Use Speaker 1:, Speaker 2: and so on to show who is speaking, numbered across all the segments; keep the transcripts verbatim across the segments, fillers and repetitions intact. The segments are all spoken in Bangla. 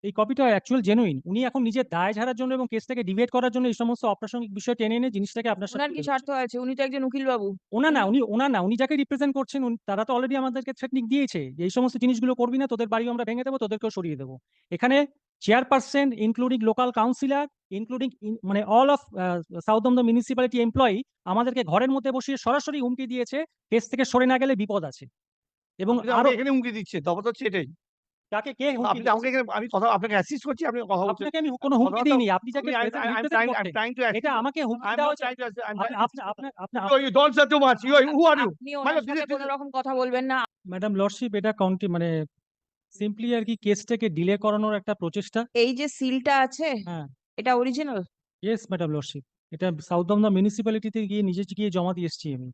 Speaker 1: এই কপিটা অ্যাকচুয়াল জেনুইন। উনি এখন নিজের দায় ঝাড়ার জন্য এবং কেসটাকে ডিবেট করার জন্য এই সমস্ত অপ্রাসঙ্গিক বিষয় টেনে এনে জিনিসটাকে আপনার সাথে
Speaker 2: ওনার কি
Speaker 1: তুলে
Speaker 2: স্বার্থ
Speaker 1: ধরছেন।
Speaker 2: আছে? উনি তো একজন উকিল বাবু।
Speaker 1: ওনার না,
Speaker 2: উনি
Speaker 1: উনি ওনার না, উনি যাকে রিপ্রেজেন্ট করছেন উন- তারা তো অলরেডি আমাদেরকে থ্রেটনিং দিয়েছে যে এই সমস্ত জিনিসগুলো করবি না, তোদের বাড়িও আমরা ভেঙে দেবো, তোদেরকেও সরিয়ে দেবো। এখানে chairperson including local councillor including মানে অল অফ সাউথ দমদম মিউনিসিপ্যালিটি এমপ্লয়ি আমাদেরকে ঘরের মধ্যে বসিয়ে সরাসরি হুমকি দিয়েছে, কেস থেকে সরে না গেলে বিপদ আছে। এবং
Speaker 3: আপনি তো
Speaker 1: আরো
Speaker 3: আমাকে এখানে হুমকি দিচ্ছেন, তফাৎ হচ্ছে এটাই।
Speaker 1: কাকে কে হুমকি
Speaker 3: আপনি আমাকে
Speaker 1: দিয়েছে?
Speaker 3: এখানে আমি কথা আপনাকে অ্যাসিস্ট করছি, আপনি কথা বলছেন।
Speaker 1: আপনাকে আমি কোনো হুমকি
Speaker 3: কথাবার্তা
Speaker 1: দিইনি। আপনি যাকে
Speaker 3: আমি I
Speaker 1: present
Speaker 3: I I'm
Speaker 1: represent
Speaker 3: trying I'm
Speaker 1: করছেন,
Speaker 3: trying to
Speaker 1: এটা
Speaker 3: assist.
Speaker 1: আমাকে হুমকি
Speaker 3: I'm
Speaker 1: দেওয়া
Speaker 3: not
Speaker 1: হয়েছে।
Speaker 3: trying to assist. I'm
Speaker 1: আপনি
Speaker 3: trying
Speaker 1: আপনি আপনার আপনার
Speaker 3: You you don't say too much. You are who are you?
Speaker 2: আপনি
Speaker 3: মানে
Speaker 2: ওনার
Speaker 3: this
Speaker 2: সাথে
Speaker 3: is this
Speaker 2: কোনো
Speaker 3: is
Speaker 2: রকম কথা বলবেন না।
Speaker 1: ম্যাডাম লর্ডশিপ, এটা কাউন্টি মানে সিম্পলি আর কি কেসটাকে ডিলে করানোর একটা প্রচেষ্টা।
Speaker 2: এই যে সিলটা আছে,
Speaker 1: হ্যাঁ,
Speaker 2: এটা অরিজিনাল?
Speaker 1: ইয়েস ম্যাডাম লর্ডশিপ, এটা সাউথ দমদম মিউনিসিপ্যালিটিতে গিয়ে নিজে গিয়ে জমা দিয়ে এসেছি আমি।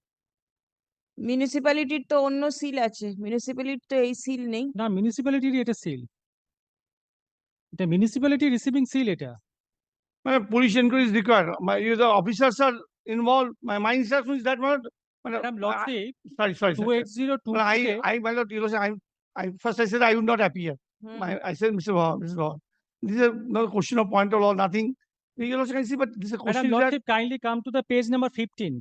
Speaker 2: মিউনিসিপ্যালিটির তো অন্য সিল আছে, মিউনিসিপ্যালিটির তো এই সিল নেই।
Speaker 1: না, মিউনিসিপ্যালিটির এটা সিল, এটা মিউনিসিপ্যালিটি রিসিভিং সিল এটা।
Speaker 3: মানে police inquiry is required. My you the officers are involved. My my instruction is that one. মানে
Speaker 1: madam
Speaker 3: I-
Speaker 1: lordship,
Speaker 3: sorry sorry
Speaker 1: to
Speaker 3: sorry.
Speaker 1: Eight zero two
Speaker 3: Well, I
Speaker 1: তে
Speaker 3: I my lord, you know, I I first I said I would not appear.
Speaker 2: Hmm.
Speaker 3: My I said Mister Vaughan, Mister Vaughan, this is not a question of point of law, nothing. You also can see, but this is a
Speaker 1: madam
Speaker 3: question is that
Speaker 1: lordship kindly come to the page number fifteen,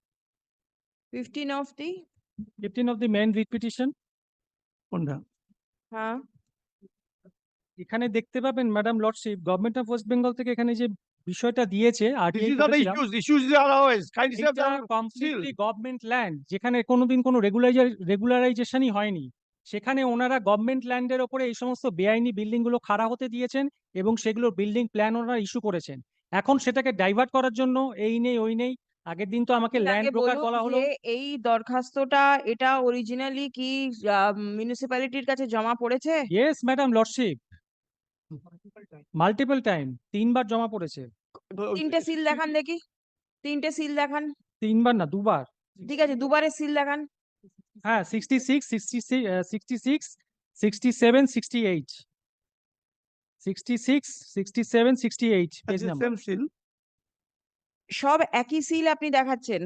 Speaker 2: fifteen of the,
Speaker 1: fifteen of the main writ petition.
Speaker 3: কোনটা?
Speaker 2: হ্যাঁ,
Speaker 1: এখানে দেখতে পাবেন madam lordship, government of West Bengal থেকে এখানে যে বিষয়টা দিয়েছে
Speaker 3: This
Speaker 1: RTI
Speaker 3: is not the
Speaker 1: করেছিলাম,
Speaker 3: issues. Issues are otherwise. Kindly say
Speaker 1: এটা
Speaker 3: that still.
Speaker 1: Completely government land, যেখানে কোনোদিন কোনো রেগুলাইজার রেগুলারাইজেশনই হয়নি, সেখানে ওনারা গভর্নমেন্ট ল্যান্ডের ওপরে এই সমস্ত বেআইনি বিল্ডিং গুলো খাড়া হতে দিয়েছেন এবং সেগুলো বিল্ডিং প্ল্যান ওনারা ইস্যু করেছেন। এখন সেটাকে ডাইভার্ট করার জন্য এই নেই ওই নেই, আগের দিন তো আমাকে
Speaker 2: আপনি
Speaker 1: ল্যান্ড
Speaker 2: আগে
Speaker 1: ব্রোকার
Speaker 2: বলুন
Speaker 1: বলা হলো।
Speaker 2: যে এই দরখাস্তটা এটা অরিজিনালি কি মিউনিসিপ্যালিটির কাছে জমা পড়েছে?
Speaker 1: Yes madam lordship, multiple time, তিনবার জমা পড়েছে।
Speaker 2: তিনটে সিল দেখান দেখি, তিনটে সিল দেখান।
Speaker 1: তিনবার না, দুবার।
Speaker 2: ঠিক আছে, দুবারের সিল দেখান।
Speaker 1: হ্যাঁ, sixty six sixty sixty six sixty seven sixty eight sixty six sixty seven sixty eight page
Speaker 3: That's the
Speaker 1: number.
Speaker 3: same still.
Speaker 2: সব একই সিল আপনি দেখাচ্ছেন,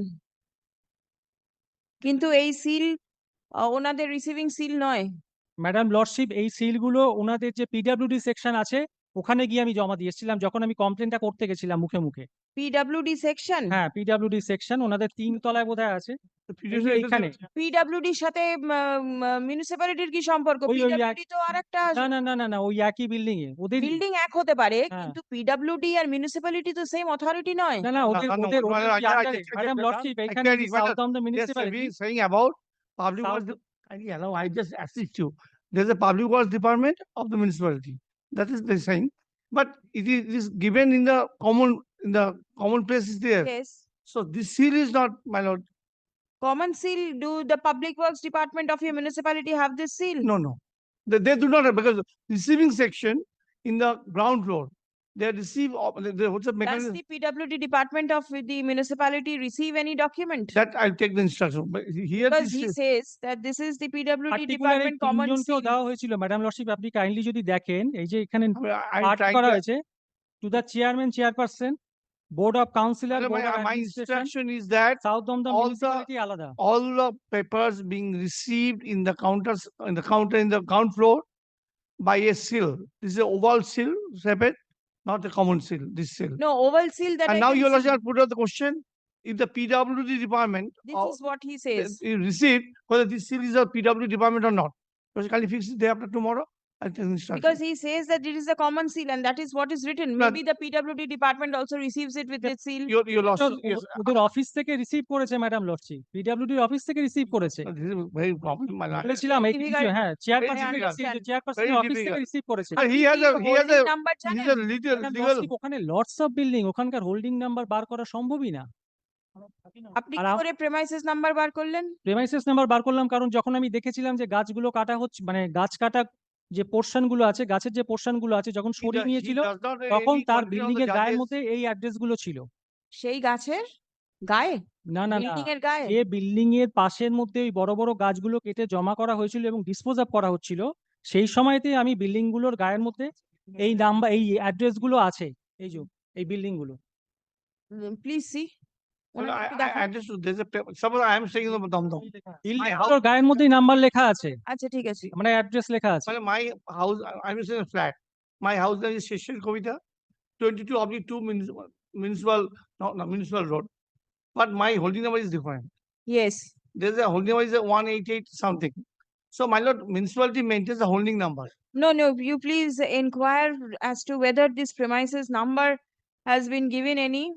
Speaker 2: কিন্তু এই সিল ওনাদের রিসিভিং সিল নয়।
Speaker 1: ম্যাডাম লর্ডশিপ, এই সিলগুলো ওনাদের যে পিডাব্লিউডি সেকশন আছে ওখানে গিয়ে আমি জমা দিয়ে এসেছিলাম যখন আমি কমপ্লেনটা করতে গেছিলাম মুখে মুখে।
Speaker 2: PWD section?
Speaker 1: হ্যাঁ, পিডাব্লিউডি সেকশন ওনাদের তিন তলায় বোধহয় আছে।
Speaker 3: The
Speaker 1: এই
Speaker 3: previous
Speaker 1: যে
Speaker 3: address
Speaker 1: এইখানে
Speaker 3: is-
Speaker 2: পিডব্লিউডির সাথে মিউনিসিপ্যালিটির কি সম্পর্ক?
Speaker 1: ওই ওই
Speaker 2: পিডব্লিউডি তো আর একটা
Speaker 1: না না না না না ওই একই বিল্ডিং এ ওদের।
Speaker 2: বিল্ডিং এক হতে পারে,
Speaker 1: হ্যাঁ,
Speaker 2: কিন্তু পিডব্লিউডি আর মিউনিসিপ্যালিটি তো সেম অথরিটি নয়।
Speaker 1: না না
Speaker 3: No,
Speaker 1: ওদের
Speaker 3: no, no,
Speaker 1: ওদের
Speaker 3: no,
Speaker 1: ওদের
Speaker 3: no,
Speaker 1: কি
Speaker 3: I- I-
Speaker 1: আন্ডারে
Speaker 3: I- I-
Speaker 1: madam
Speaker 3: I-
Speaker 1: lordship,
Speaker 3: I
Speaker 1: এখানে
Speaker 3: clearly-
Speaker 1: south of the
Speaker 3: Yes,
Speaker 1: municipality.
Speaker 3: we saying about public
Speaker 1: South-
Speaker 3: works. Kindly allow, I just assist you. There's a public works department of the municipality. That is the saying. But it is, it is given in the common, in the common place is there.
Speaker 2: Yes.
Speaker 3: So this seal is not, my lord,
Speaker 2: Common seal, do the public works department of your municipality have this seal?
Speaker 3: no, no. They, they do not have, because receiving section in the ground floor, they receive, of- they, they- what's the
Speaker 2: Does
Speaker 3: mechanism?
Speaker 2: the PWD department of the municipality receive any document?
Speaker 3: That I'll take the instruction, but here
Speaker 2: Because
Speaker 3: this
Speaker 2: he
Speaker 3: is,
Speaker 2: says that this is the PWD
Speaker 1: particular এই
Speaker 2: department common
Speaker 1: তিনজনকেও
Speaker 2: seal.
Speaker 1: দেওয়া হয়েছিল ম্যাডাম লর্ডশিপ, আপনি কাইন্ডলি যদি দেখেন এই যে এখানে
Speaker 3: I mean, I- I'm
Speaker 1: পাঠ
Speaker 3: trying
Speaker 1: করা
Speaker 3: to,
Speaker 1: হয়েছে, to the chairman chairperson, board of councillor,
Speaker 3: Madam,
Speaker 1: board of
Speaker 3: my, my
Speaker 1: administration,
Speaker 3: instruction is that
Speaker 1: south Dum Dum
Speaker 3: all the-
Speaker 1: municipality আলাদা।
Speaker 3: all the papers being received in the counters, in the counter, in the ground floor by a seal. This is a oval seal, separate, not a common seal, this seal.
Speaker 2: No, oval seal that I
Speaker 3: And now
Speaker 2: can
Speaker 3: you
Speaker 2: see.
Speaker 3: also put out the question, if the P W D department
Speaker 2: This
Speaker 3: of-
Speaker 2: is what he says.
Speaker 3: you received, whether this seal is a P W D department or not. Because can you fix it day after tomorrow? I'll take the instruction.
Speaker 2: Because he says that it is a common seal and that is what is written.
Speaker 3: No,
Speaker 2: Maybe the P W D department also receives it with its seal.
Speaker 3: You, you lost,
Speaker 1: ওদের-
Speaker 3: yes.
Speaker 1: ওদের অফিস থেকে রিসিভ করেছে ম্যাডাম লর্ডশিপ, পিডাব্লিউডির অফিস থেকে রিসিভ করেছে।
Speaker 3: Uh, This is very problem, my lord.
Speaker 1: বলেছিলাম এই
Speaker 2: difficult.
Speaker 1: কিছু, হ্যাঁ চেয়ারপারসন
Speaker 2: difficult.
Speaker 1: চেয়ারপারসনের
Speaker 3: Very
Speaker 1: অফিস থেকে
Speaker 3: difficult.
Speaker 1: রিসিভ করেছে।
Speaker 3: And he has a, he has
Speaker 2: Holding
Speaker 3: a,
Speaker 2: number
Speaker 3: he has
Speaker 2: জানেন?
Speaker 3: a little,
Speaker 1: madam
Speaker 3: legal,
Speaker 1: lordship, ওখানে লটস অফ বিল্ডিং, ওখানকার হোল্ডিং নাম্বার বার করা সম্ভবই না।
Speaker 2: আপনি
Speaker 1: আর
Speaker 2: কি
Speaker 1: আম-
Speaker 2: করে প্রেমাইসিস নাম্বার বার করলেন?
Speaker 1: প্রেমাইসেস নাম্বার বার করলাম কারণ যখন আমি দেখেছিলাম যে গাছগুলো কাটা হচ্ছে, মানে গাছ কাটা যে পোর্শন গুলো আছে, গাছের যে পোর্শন গুলো আছে যখন
Speaker 3: he
Speaker 1: সরিয়ে
Speaker 3: does- he
Speaker 1: নিয়েছিল
Speaker 3: does not
Speaker 1: তখন
Speaker 3: any
Speaker 1: তার
Speaker 3: condition on
Speaker 1: বিল্ডিং
Speaker 3: the
Speaker 1: এর গায়ের
Speaker 3: judges.
Speaker 1: মধ্যে এই অ্যাড্রেস গুলো ছিল।
Speaker 2: সেই গাছের গায়ে,
Speaker 1: না না না,
Speaker 2: বিল্ডিং এর গায়ে?
Speaker 1: যে বিল্ডিং এর পাশের মধ্যে ওই বড় বড় গাছগুলো কেটে জমা করা হয়েছিল এবং ডিসপোজ অফ করা হচ্ছিল, সেই সময়তে আমি বিল্ডিং গুলোর গায়ের মধ্যে এই নাম্বার এই অ্যাড্রেস গুলো আছে, এই যে এই বিল্ডিং গুলো।
Speaker 2: Please see.
Speaker 3: Well, I, I I understood, there's a, pa- suppose I am staying in the Dum Dum.
Speaker 1: Building
Speaker 3: house-
Speaker 1: গুলোর গায়ের মধ্যেই নাম্বার লেখা আছে,
Speaker 2: আচ্ছা ঠিক আছে।
Speaker 1: মানে অ্যাড্রেস লেখা আছে।
Speaker 3: Well, my house, I- I'm staying in a flat. My house name is Sheshir Kavita, twenty-two oblique two municipal, municipal, no, no, municipal road. But my holding number is different.
Speaker 2: Yes.
Speaker 3: There's a holding number is a one eighty-eight something. So my lord, municipality maintains the holding number.
Speaker 2: No, no, you please inquire as to whether this premises number has been given any.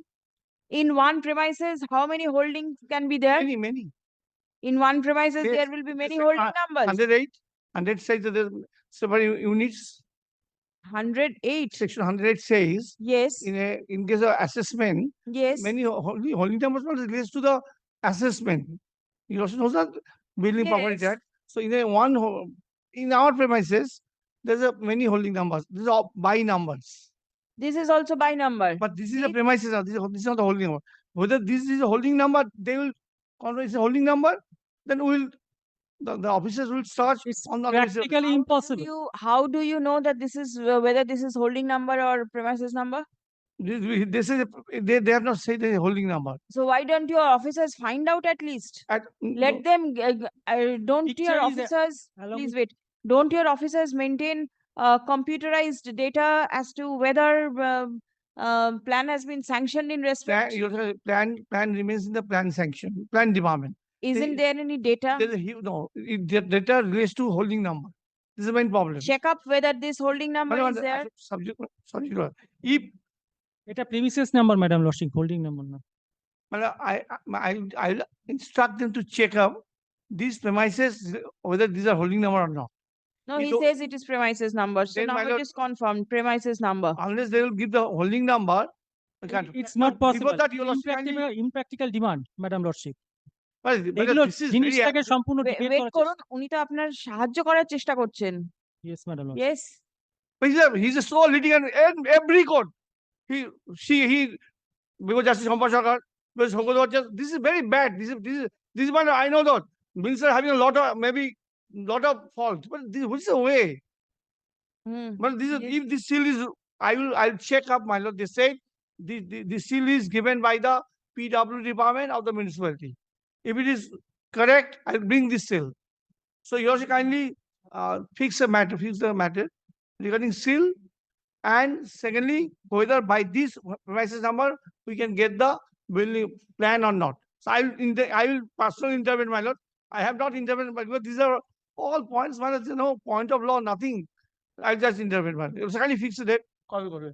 Speaker 2: In one premises, how many holdings can be there?
Speaker 3: Many, many.
Speaker 2: In one premises,
Speaker 3: Yes,
Speaker 2: there will be many
Speaker 3: say,
Speaker 2: holding
Speaker 3: uh,
Speaker 2: numbers.
Speaker 3: Hundred eight, hundred says that there's several units.
Speaker 2: Hundred eight.
Speaker 3: Section hundred eight says,
Speaker 2: Yes,
Speaker 3: in a, in case of assessment,
Speaker 2: yes.
Speaker 3: many ho- holding, holding numbers not relates to the assessment. You also know that building property
Speaker 2: Yes.
Speaker 3: tax. So in a one, ho- in our premises, there's a many holding numbers. These are all by numbers.
Speaker 2: This is also by number.
Speaker 3: But this is a
Speaker 2: See?
Speaker 3: premises, now, this is, this is not the holding number. Whether this is a holding number, they will, consider it's a holding number, then we'll, the, the officers will search
Speaker 1: It's
Speaker 3: on the. premises.
Speaker 1: practically
Speaker 2: How do
Speaker 1: impossible.
Speaker 2: you, how do you know that this is, uh, whether this is holding number or premises number?
Speaker 3: This, we- this is, a- they, they have not said the holding number.
Speaker 2: So why don't your officers find out at least?
Speaker 3: At,
Speaker 2: Let them, g- g- uh, don't
Speaker 1: Picture
Speaker 2: your
Speaker 1: is a-
Speaker 2: officers,
Speaker 1: along
Speaker 2: please
Speaker 1: with-
Speaker 2: wait, don't your officers maintain uh, computerized data as to whether um, um, plan has been sanctioned in
Speaker 3: plan,
Speaker 2: respect?
Speaker 3: your plan, plan remains in the plan sanction, plan department.
Speaker 2: Isn't
Speaker 3: they-
Speaker 2: there any data?
Speaker 3: There's a huge, no, it, the data relates to holding number. This is the main problem.
Speaker 2: Check up whether this holding number
Speaker 3: Madam,
Speaker 2: is
Speaker 3: the-
Speaker 2: there.
Speaker 3: Subject, sorry, Your Honor. if,
Speaker 1: এটা premises number madam lordship, holding number না।
Speaker 3: madam, I, I, I- I'll instruct them to check up these premises, whether these are holding number or not.
Speaker 2: No,
Speaker 3: you
Speaker 2: he
Speaker 3: don't-
Speaker 2: says it is premises number. So
Speaker 3: Then,
Speaker 2: now
Speaker 3: my
Speaker 2: it
Speaker 3: lord-
Speaker 2: is confirmed, premises number.
Speaker 3: Unless they will give the holding number, we can't.
Speaker 1: It's not
Speaker 3: But
Speaker 1: possible.
Speaker 3: Before that, you lost kindly,
Speaker 1: Impractical, impractical demand, madam lordship.
Speaker 3: but, but
Speaker 1: এগুলো
Speaker 3: this is very,
Speaker 1: জিনিসটাকে সম্পূর্ণ
Speaker 2: Wait
Speaker 1: ডিবেট
Speaker 2: wait
Speaker 1: করার
Speaker 2: করুন, উনি তো আপনার সাহায্য করার চেষ্টা করছেন।
Speaker 1: Yes madam lordship.
Speaker 2: Yes,
Speaker 3: but he's a, he's a sole litigant in every court. He, she, he, because Justice Champa Sarkar, because Shankar Just, this is very bad. This is, this is, this is why I know that minister having a lot of, maybe, lot of fault, but this, which is the way?
Speaker 2: hmm,
Speaker 3: But this is,
Speaker 2: Yes.
Speaker 3: if this seal is, I will, I'll check up, my lord, they said, the, the, the seal is given by the P W department of the municipality. If it is correct, I'll bring this seal. So you also kindly, uh, fix the matter, fix the matter regarding seal. And secondly, whether by this premises number, we can get the building plan or not. So I will, inter- I will personally intervene, my lord. I have not intervened, but because these are all points, my lord, there's no point of law, nothing. I'll just intervene, my lord. So kindly fix the date, call করবে।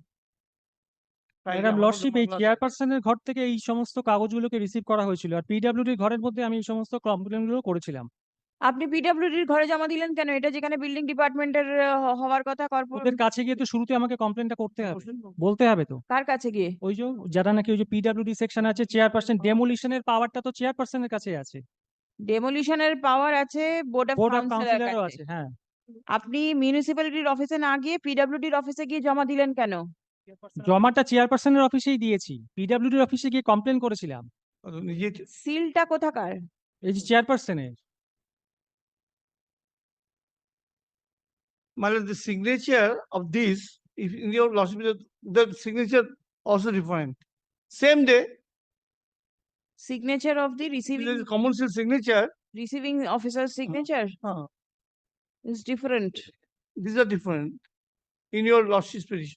Speaker 3: Kindly
Speaker 1: ম্যাডাম
Speaker 3: আমার
Speaker 1: লর্ডশিপ, এই
Speaker 3: মামলা আছে।
Speaker 1: চেয়ারপারসনের ঘর থেকে এই সমস্ত কাগজগুলোকে রিসিভ করা হয়েছিল, আর পিডব্লিউডির ঘরের মধ্যে আমি এই সমস্ত কমপ্লেন গুলো করেছিলাম।
Speaker 2: আপনি পিডব্লিউডির ঘরে জমা দিলেন কেন? এটা যেখানে বিল্ডিং ডিপার্টমেন্টের হওয়ার কথা,
Speaker 1: ওদের
Speaker 2: কর্পোরেট
Speaker 1: কাছে গিয়ে তো শুরুতে আমাকে কমপ্লেনটা করতে হবে,
Speaker 3: প্রশ্ন করুন।
Speaker 1: বলতে হবে তো।
Speaker 2: কার কাছে গিয়ে?
Speaker 1: ওই যে যারা নাকি ওই যে পিডব্লিউডি সেকশন আছে, চেয়ারপারসন ডেমোলিশনের পাওয়ারটা তো চেয়ারপারসনের কাছে আছে,
Speaker 2: ডেমোলিশনের পাওয়ার আছে board of
Speaker 1: board of
Speaker 2: councillor
Speaker 1: কাউন্সিলরও
Speaker 2: কাছে।
Speaker 1: আছে। হ্যাঁ,
Speaker 2: আপনি মিউনিসিপ্যালিটির অফিসে না গিয়ে পিডব্লিউডির অফিসে গিয়ে জমা দিলেন কেন?
Speaker 1: জমাটা চেয়ারপারসনের অফিসেই দিয়েছি, পিডব্লিউডির অফিসে গিয়ে কমপ্লেন করেছিলাম।
Speaker 3: নিজে
Speaker 2: সিলটা কোথাকার?
Speaker 1: এই যে চেয়ারপারসনের
Speaker 3: my lord, the signature of this, if in your lordship, the- the signature also different. Same day,
Speaker 2: signature of the
Speaker 3: there
Speaker 2: receiving
Speaker 3: is common seal signature,
Speaker 2: receiving officer signature
Speaker 3: uh,
Speaker 2: is different.
Speaker 3: these are different in your lordship's petition.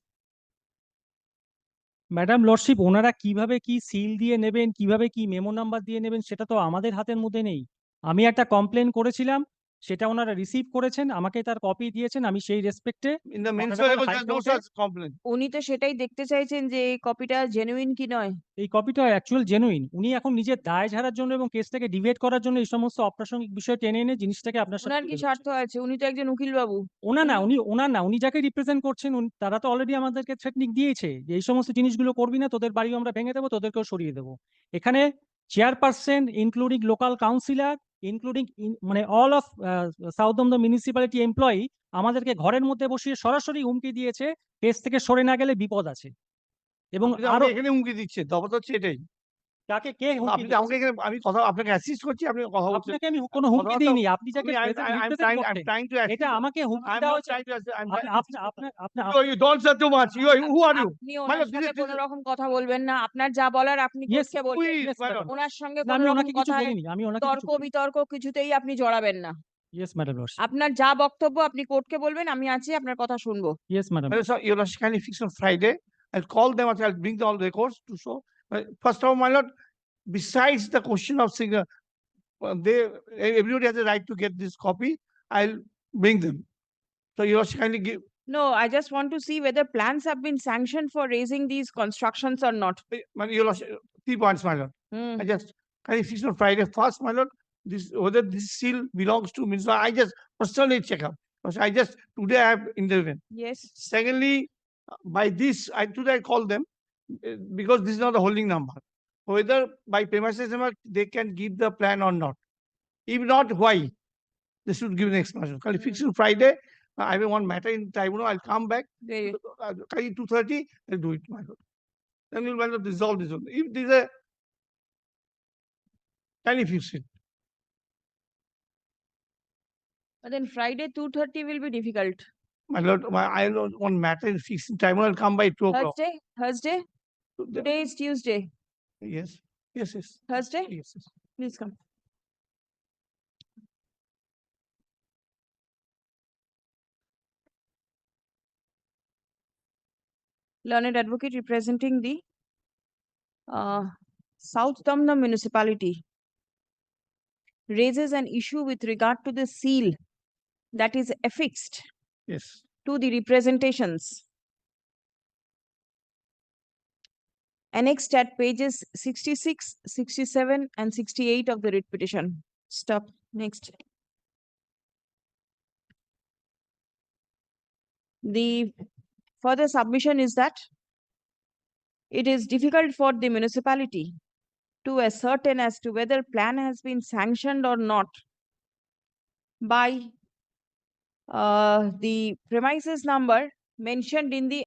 Speaker 1: Madam lordship, ওনারা কিভাবে কি সিল দিয়ে নেবেন, কিভাবে কি মেমো নাম্বার দিয়ে নেবেন, সেটা তো আমাদের হাতের মধ্যে নেই। আমি একটা কমপ্লেন করেছিলাম, সেটা ওনারা রিসিভ করেছেন, আমাকে তার কপি দিয়েছেন, আমি সেই রেসপেক্টে
Speaker 3: In the
Speaker 1: Honorable
Speaker 3: municipal,
Speaker 1: High
Speaker 3: there's no
Speaker 1: Court-এ-
Speaker 3: such complaint.
Speaker 2: উনি তো সেটাই দেখতে চাইছেন যে এই কপিটা জেনুইন কি নয়।
Speaker 1: এই কপিটা অ্যাকচুয়াল জেনুইন। উনি এখন নিজের দায় ঝাড়ার জন্য এবং কেসটাকে ডিবেট করার জন্য এই সমস্ত অপ্রাসঙ্গিক বিষয় টেনে এনে জিনিসটাকে আপনার সাথে
Speaker 2: ওনার কি
Speaker 1: তুলে
Speaker 2: স্বার্থ
Speaker 1: ধরছেন।
Speaker 2: আছে? উনি তো একজন উকিল বাবু।
Speaker 1: ওনা না, উনি ওনার না, উনি যাকে রিপ্রেজেন্ট করছেন উনি- তারা তো অলরেডি আমাদেরকে থ্রেটনিং দিয়েছে যে এই সমস্ত জিনিসগুলো করবি না, তোদের বাড়িও আমরা ভেঙে দেবো, তোদেরকেও সরিয়ে দেবো। এখানে chairperson including local councillor including মানে all of south the municipality employee আমাদেরকে ঘরের মধ্যে বসিয়ে সরাসরি হুমকি দিয়েছে, কেস থেকে সরে না গেলে বিপদ আছে। এবং
Speaker 3: আপনি তো
Speaker 1: আরো
Speaker 3: আমাকে এখানে হুমকি দিচ্ছে, তফাৎ হচ্ছে এটাই।
Speaker 1: কাকে কে হুমকি
Speaker 3: আপনি তো আমাকে এখানে, আমি কথা, আপনাকে অ্যাসিস্ট করছি, আপনি কথা বলছেন।
Speaker 1: আপনাকে আমি কোনো হুমকি
Speaker 3: কথা তো-
Speaker 1: দিইনি, আপনি যাকে
Speaker 3: আমি- I'm-
Speaker 1: present
Speaker 3: I'm- I'm
Speaker 1: represent
Speaker 3: trying- I'm
Speaker 1: করছেন,
Speaker 3: trying to assist
Speaker 1: এটা
Speaker 3: you.
Speaker 1: আমাকে হুমকি
Speaker 3: I'm
Speaker 1: দেওয়া
Speaker 3: not
Speaker 1: হয়েছে।
Speaker 3: trying to assist, I'm
Speaker 1: আপনি
Speaker 3: trying-
Speaker 1: আপনি আপনার আপনার
Speaker 3: You- you don't say too much. You are, who are you?
Speaker 2: আপনি
Speaker 3: My
Speaker 2: ওনার
Speaker 3: lord, this
Speaker 2: সাথে
Speaker 3: is- this
Speaker 2: কোনো
Speaker 3: is-
Speaker 2: রকম কথা বলবেন না। আপনার যা বলার আপনি
Speaker 1: Yes,
Speaker 2: কোর্টকে বলবেন।
Speaker 3: Please,
Speaker 1: Yes,
Speaker 3: my
Speaker 1: madam.
Speaker 3: lord.
Speaker 2: ওনার সঙ্গে
Speaker 1: না,
Speaker 2: কোনো
Speaker 1: আমি
Speaker 2: রকম
Speaker 1: ওনাকে কিছু
Speaker 2: কথায়
Speaker 1: বলিনি, আমি ওনাকে
Speaker 2: তর্ক
Speaker 1: কিছু বলিনি।
Speaker 2: বিতর্ক কিছুতেই আপনি জড়াবেন না।
Speaker 1: Yes, Madam Lordship.
Speaker 2: আপনার যা বক্তব্য আপনি কোর্টকে বলবেন, আমি আছি, আপনার কথা শুনবো।
Speaker 1: Yes, Madam.
Speaker 3: My lord, sir, your lordship, kindly fix on Friday. I'll call them, I'll bring the all records to show. Uh, First of all, my lord, besides the question of singer, uh, they, everybody has a right to get this copy. I'll bring them. So your lordship, kindly give,
Speaker 2: No, I just want to see whether plans have been sanctioned for raising these constructions or not.
Speaker 3: uh, my your lordship, three points, my lord.
Speaker 2: Hmm.
Speaker 3: I just, kindly fix on Friday first, my lord, this, whether this seal belongs to Minister, I just personally check up. Because I just, today I have intervened.
Speaker 2: Yes.
Speaker 3: Secondly, uh, by this, I today I call them, uh, because this is not the holding number. Whether by premises number, they can give the plan or not. If not, why? They should give an explanation. Can you fix it Friday? Uh, I have one matter in tribunal, I'll come back,
Speaker 2: Very.
Speaker 3: uh, carry two thirty, I'll do it, my lord. Then we'll my lord resolve this one. If there's a, can you fix it?
Speaker 2: But then Friday two thirty will be difficult.
Speaker 3: My lord, my, I have one matter in fixing tribunal, I'll come by two o'clock.
Speaker 2: Thursday, Thursday,
Speaker 3: So the-
Speaker 2: today is Tuesday.
Speaker 3: Yes, yes, yes.
Speaker 2: Thursday,
Speaker 3: Yes, yes.
Speaker 2: please come. Learned advocate representing the uh, South Tamna municipality raises an issue with regard to the seal that is affixed
Speaker 3: Yes.
Speaker 2: to the representations annexed at pages sixty-six, sixty-seven, and sixty-eight of the writ petition. Stop. Next. The further submission is that it is difficult for the municipality to ascertain as to whether plan has been sanctioned or not by uh, the premises number mentioned in the